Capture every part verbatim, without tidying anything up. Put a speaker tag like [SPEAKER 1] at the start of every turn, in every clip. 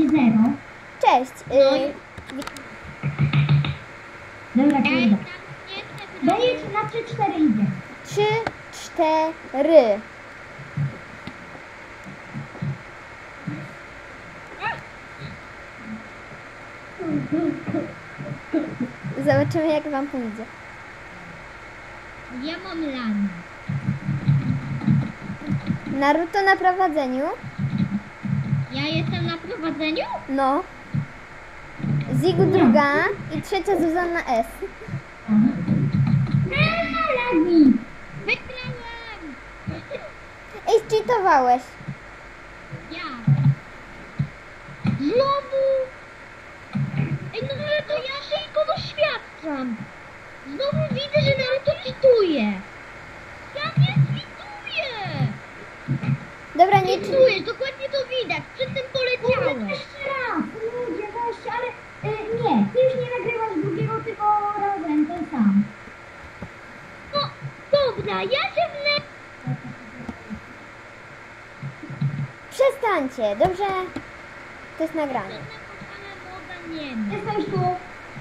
[SPEAKER 1] zero.
[SPEAKER 2] Cześć.
[SPEAKER 3] No
[SPEAKER 2] Y,
[SPEAKER 1] Dobra,
[SPEAKER 3] Ej,
[SPEAKER 1] kurde.
[SPEAKER 3] tam nie chcę
[SPEAKER 1] Daję ci na trzy cztery idzie.
[SPEAKER 2] trzy, cztery. Zobaczymy, jak wam pójdzie.
[SPEAKER 3] Ja mam lan.
[SPEAKER 2] Naruto na prowadzeniu.
[SPEAKER 3] Ja jestem na prowadzeniu?
[SPEAKER 2] No. Zigu druga i trzecia Zuzanna S.
[SPEAKER 1] Eee, lagi.
[SPEAKER 3] Wygrałem!
[SPEAKER 2] Ej, cheatowałeś.
[SPEAKER 3] Ja. Znowu! Ej, no ale to ja tylko doświadczam. Znowu widzę, że Naruto cheatuje. Ja nie cheatuję!
[SPEAKER 2] Dobra, nie cheat-
[SPEAKER 3] Cheatujesz, dokładnie to widać. Przed tym
[SPEAKER 1] Kurde,
[SPEAKER 3] poleciałem.
[SPEAKER 1] jeszcze raz. Ludzie, weźcie, ale y, nie. Ty już nie nagrywasz drugiego, tylko razem, ten sam.
[SPEAKER 3] No, dobra, ja się wnę...
[SPEAKER 2] Przestańcie, dobrze? To jest nagranie.
[SPEAKER 3] Żadnego moda nie ma.
[SPEAKER 1] Jestem już tu.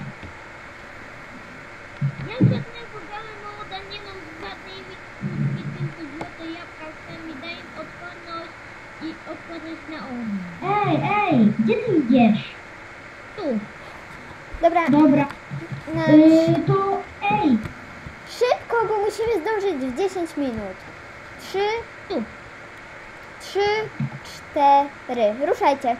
[SPEAKER 3] Ja żadnego gala moda nie mam z żadnej wikówki, tylko złote jabłka, które mi dają odporność i odporność na ogień.
[SPEAKER 1] Ej, ej, gdzie ty idziesz?
[SPEAKER 3] Tu.
[SPEAKER 2] Dobra,
[SPEAKER 1] Dobra.
[SPEAKER 2] na...
[SPEAKER 1] Y, to ej.
[SPEAKER 2] szybko, bo musimy zdążyć w dziesięć minut. Trzy,
[SPEAKER 3] Tu.
[SPEAKER 2] trzy, cztery. Ruszajcie.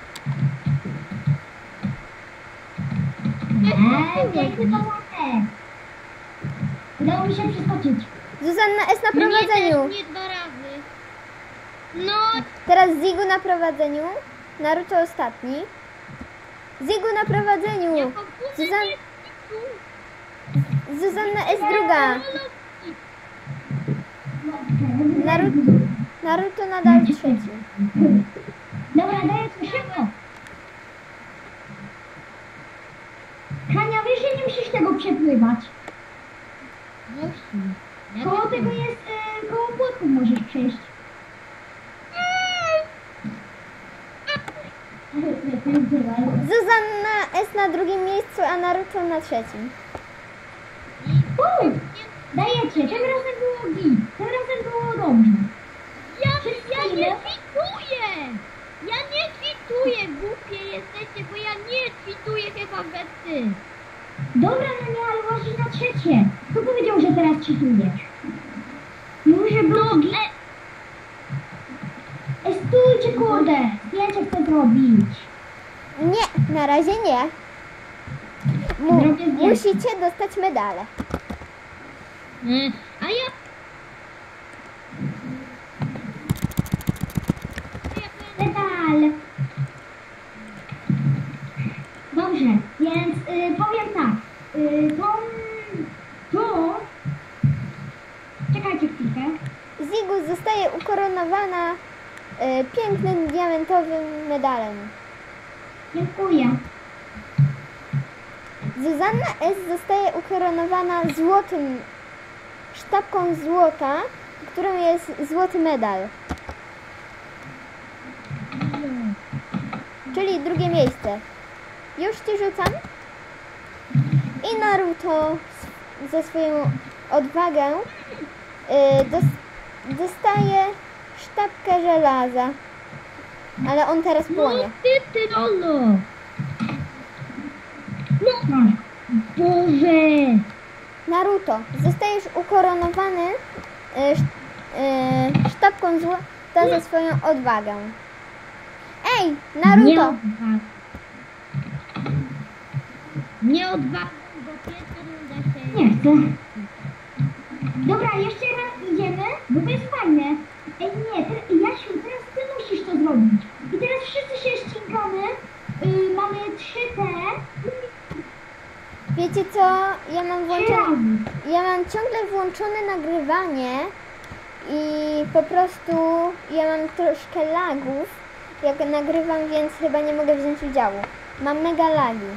[SPEAKER 1] Ej, piękny połatek. Udało mi się przeskoczyć.
[SPEAKER 2] Zuzanna S na
[SPEAKER 3] Mnie
[SPEAKER 2] prowadzeniu.
[SPEAKER 3] też nie dwa razy. No,
[SPEAKER 2] Teraz Zigu na prowadzeniu. Naruto ostatni. Zigu na prowadzeniu.
[SPEAKER 3] ja komputer
[SPEAKER 2] Zuzan...
[SPEAKER 3] nie tu.
[SPEAKER 2] Zuzanna S druga. Naruto, Naruto nadal trzeci.
[SPEAKER 1] Dobra, daję ci szybko. Hania, wiesz, że nie musisz tego przepływać.
[SPEAKER 3] Musi. Ja
[SPEAKER 1] Koło
[SPEAKER 3] wiem.
[SPEAKER 1] tego jest, y, koło płotków możesz przejść.
[SPEAKER 2] Zuzanna S na drugim miejscu, a Naruto na trzecim.
[SPEAKER 1] Uuu, dajecie, tym razem było git, tym razem było dobrze.
[SPEAKER 3] Ja, ja nie kwituję! Ja nie kwituję, głupie jesteście, bo ja nie kwituję chyba we ty.
[SPEAKER 1] Dobra, no nie, ale właśnie na trzecie. Kto powiedział, że teraz cheatujesz? Mówię, że było git.
[SPEAKER 3] E,
[SPEAKER 1] Ej, stójcie, kurde, zdjęcie chcę zrobić.
[SPEAKER 2] Nie, na razie nie. Mu,
[SPEAKER 1] Zrobię zdjęcie.
[SPEAKER 2] musicie dostać medale.
[SPEAKER 3] e, a ja...
[SPEAKER 1] Medal. Dobrze, więc y, powiem tak. Y, tą, tą... Czekajcie chwilkę.
[SPEAKER 2] Zigu zostaje ukoronowana y, pięknym diamentowym medalem.
[SPEAKER 1] Dziękuję.
[SPEAKER 2] Zuzanna S zostaje ukoronowana złotym, sztabką złota, którą jest złoty medal. Czyli drugie miejsce. Już ci rzucam. I Naruto s- za swoją odwagę y, dos, dostaje sztabkę żelaza. Ale on teraz
[SPEAKER 3] No
[SPEAKER 2] płonie.
[SPEAKER 3] ty, ty, Lolo! No,
[SPEAKER 1] Masz.
[SPEAKER 3] Boże!
[SPEAKER 2] Naruto, zostajesz ukoronowany y, sz, y, sztabką złota za swoją odwagę. Ej,
[SPEAKER 3] Nie
[SPEAKER 2] Naruto!
[SPEAKER 3] odwagę. Nie odwagę, bo pierwsza runda się...
[SPEAKER 1] Nie chcę. Dobra, jeszcze raz idziemy, bo to jest fajne. Ej, nie, te, Jasiu, teraz ty musisz to zrobić. I teraz wszyscy się ścigamy. Y, mamy trzy te.
[SPEAKER 2] Wiecie co? Ja mam
[SPEAKER 1] Trzy
[SPEAKER 2] włączone,
[SPEAKER 1] razy.
[SPEAKER 2] ja mam ciągle włączone nagrywanie i po prostu ja mam troszkę lagów, jak nagrywam, więc chyba nie mogę wziąć udziału. Mam mega lagi.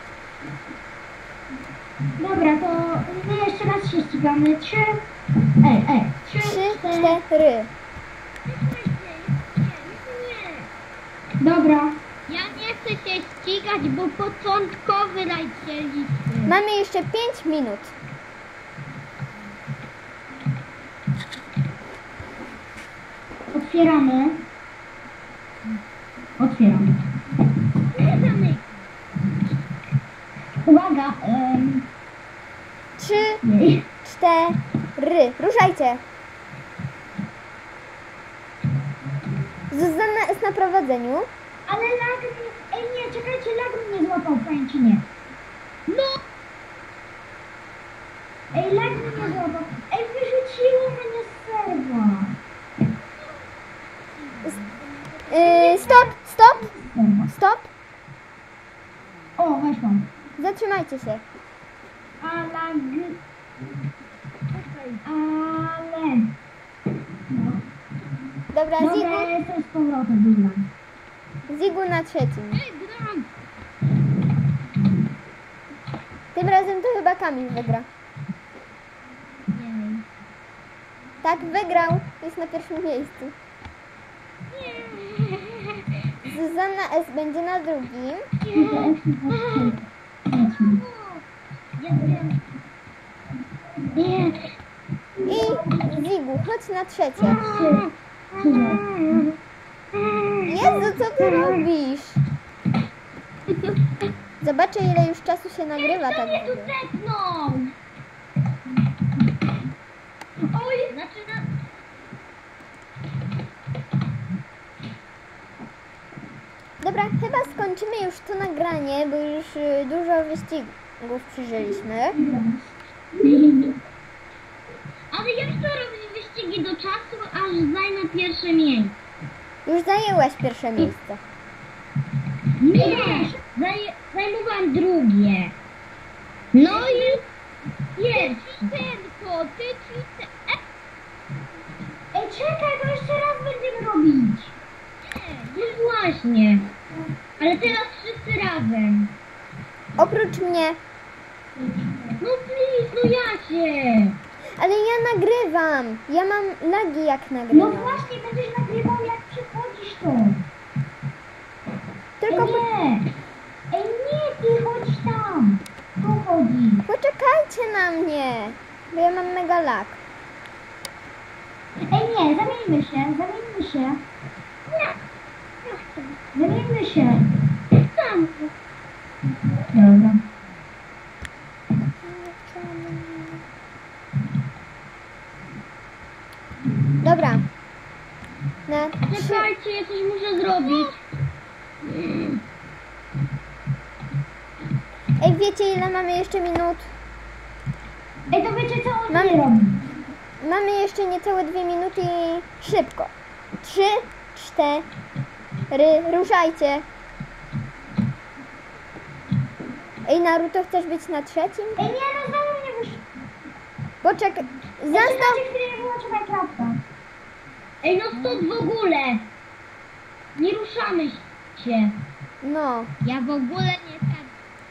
[SPEAKER 1] Dobra, to my jeszcze raz się ścigamy. Trzy. Ej, ej. Trzy,
[SPEAKER 2] Trzy,
[SPEAKER 1] cztery.
[SPEAKER 2] cztery.
[SPEAKER 3] Nie, nie, nie.
[SPEAKER 1] Dobra.
[SPEAKER 3] Ja nie się ścigać, bo początkowy lecieliśmy.
[SPEAKER 2] Mamy jeszcze pięć minut.
[SPEAKER 1] Otwieramy. Otwieramy.
[SPEAKER 3] Nie zamykaj.
[SPEAKER 1] Uwaga. Um,
[SPEAKER 2] Trzy,
[SPEAKER 1] nie.
[SPEAKER 2] cztery. Ruszajcie. Zuzanna jest na prowadzeniu.
[SPEAKER 1] Ale lag mnie... Ej nie, czekajcie, lag mnie złapał, powiem ci nie.
[SPEAKER 3] No,
[SPEAKER 1] Ej, lag mnie złapał. Ej, wyrzuciło mnie z serwa.
[SPEAKER 2] Yy, stop, stop,
[SPEAKER 1] Serwa.
[SPEAKER 2] stop.
[SPEAKER 1] O, weszłam.
[SPEAKER 2] Zatrzymajcie się.
[SPEAKER 1] A lag... Ale... No.
[SPEAKER 2] Dobra,
[SPEAKER 1] Dobra,
[SPEAKER 2] Zigu,
[SPEAKER 1] ja jestem z powrotem, dobra.
[SPEAKER 2] Zigu na trzecim.
[SPEAKER 3] ej, gram.
[SPEAKER 2] Tym razem to chyba Kamil wygra.
[SPEAKER 3] Nie.
[SPEAKER 2] Tak, wygrał. Jest na pierwszym miejscu. Zuzanna S. będzie na drugim.
[SPEAKER 3] Nie.
[SPEAKER 2] I Zigu, chodź na trzecie. Jezu, co ty robisz? Zobaczę, ile już czasu się nagrywa
[SPEAKER 3] Kto
[SPEAKER 2] tak
[SPEAKER 3] mnie tu
[SPEAKER 2] długo.
[SPEAKER 3] tepnął? Oj, zaczyna...
[SPEAKER 2] Dobra, chyba skończymy już to nagranie, bo już y, dużo wyścigów przeżyliśmy.
[SPEAKER 3] Ale ja chcę robić wyścigi do czasu, aż zajmę pierwsze miejsce.
[SPEAKER 2] Już zajęłaś pierwsze miejsce.
[SPEAKER 3] Nie! Zaj zajmowałam drugie. No i... Pierwszy. Tylko, ty ci...
[SPEAKER 1] Ej, czekaj, bo jeszcze raz będziemy robić.
[SPEAKER 3] No właśnie. Ale teraz wszyscy razem.
[SPEAKER 2] Oprócz mnie.
[SPEAKER 3] No please, no ja się.
[SPEAKER 2] Ale ja nagrywam. Ja mam lagi jak
[SPEAKER 1] No
[SPEAKER 2] nagrywam.
[SPEAKER 1] właśnie, będziesz nagrywał jak przychodzisz to.
[SPEAKER 2] Tylko
[SPEAKER 1] Ej,
[SPEAKER 2] po...
[SPEAKER 1] nie. Ej, nie, ty chodź tam. Tu chodzi.
[SPEAKER 2] poczekajcie na mnie, bo ja mam mega lag.
[SPEAKER 1] Ej, nie, zamieńmy się, zamieńmy się. Zamieńmy się.
[SPEAKER 3] Tam.
[SPEAKER 1] Dobra.
[SPEAKER 2] Dobra. Na trzy...
[SPEAKER 3] Czekajcie, ja coś muszę zrobić.
[SPEAKER 2] Ej, wiecie ile mamy jeszcze minut?
[SPEAKER 1] Ej, to wiecie co on
[SPEAKER 2] Mam-
[SPEAKER 1] nie robi?
[SPEAKER 2] Mamy jeszcze niecałe dwie minuty i szybko. Trzy, cztery, ruszajcie. Ej, Naruto, chcesz być na trzecim?
[SPEAKER 1] Ej, nie, no znowu mnie wyszło.
[SPEAKER 2] Poczekaj, zastaw...
[SPEAKER 1] Zaczekajcie chwilę, nie wyłączę Minecrafta.
[SPEAKER 3] Ej, no stąd w ogóle. Nie ruszamy się.
[SPEAKER 2] No,
[SPEAKER 3] Ja w ogóle nie chcę.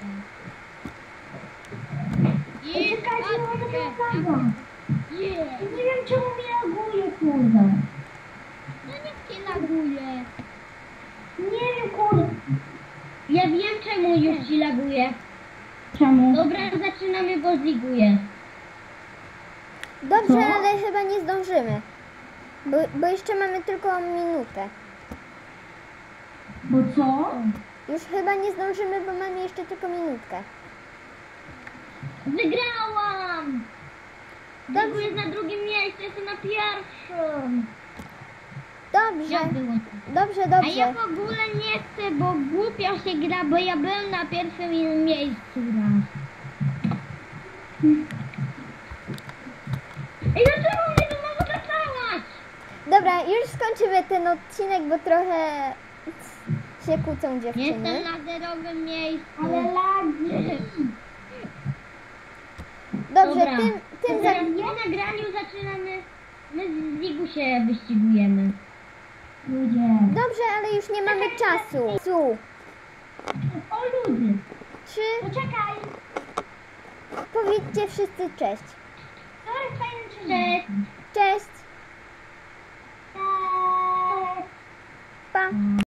[SPEAKER 1] Ej, czekajcie, no to wygląda.
[SPEAKER 3] Nie.
[SPEAKER 1] Nie wiem czemu mi laguje, kurde.
[SPEAKER 3] No niech cię laguje.
[SPEAKER 1] Nie wiem, kurde.
[SPEAKER 3] Ja wiem czemu już ci laguje.
[SPEAKER 1] Czemu?
[SPEAKER 3] Dobra, zaczynamy, bo ziguję.
[SPEAKER 2] dobrze,
[SPEAKER 1] Co?
[SPEAKER 2] ale chyba nie zdążymy. Bo, bo jeszcze mamy tylko minutę.
[SPEAKER 1] Bo co?
[SPEAKER 2] Już chyba nie zdążymy, bo mamy jeszcze tylko minutkę.
[SPEAKER 3] Wygrałam!
[SPEAKER 2] Dobrze.
[SPEAKER 3] Dobrze, jest na drugim miejscu, jestem na pierwszym.
[SPEAKER 2] Dobrze,
[SPEAKER 3] Ja byłam.
[SPEAKER 2] dobrze,
[SPEAKER 3] A ja
[SPEAKER 2] dobrze.
[SPEAKER 3] w ogóle nie chcę, bo głupio się gra, bo ja byłem na pierwszym miejscu raz. Ej, dlaczego mnie tu mam zaczęłaś?
[SPEAKER 2] Dobra, już skończymy ten odcinek, bo trochę się kłócą dziewczyny.
[SPEAKER 3] Jestem na zerowym miejscu.
[SPEAKER 1] Ale lagi.
[SPEAKER 2] Dobrze,
[SPEAKER 3] Dobra.
[SPEAKER 2] tym, tym za...
[SPEAKER 3] Teraz po nagraniu zaczynamy. My z Zigu się wyścigujemy.
[SPEAKER 1] Ludzie.
[SPEAKER 2] Dobrze, ale już nie mamy czasu. Su.
[SPEAKER 1] O, ludzie.
[SPEAKER 2] Trzy,
[SPEAKER 1] Poczekaj.
[SPEAKER 2] powiedzcie wszyscy cześć.
[SPEAKER 1] Sorry, fajny czy
[SPEAKER 3] Cześć.
[SPEAKER 2] Cześć,
[SPEAKER 1] Cześć.
[SPEAKER 2] pa.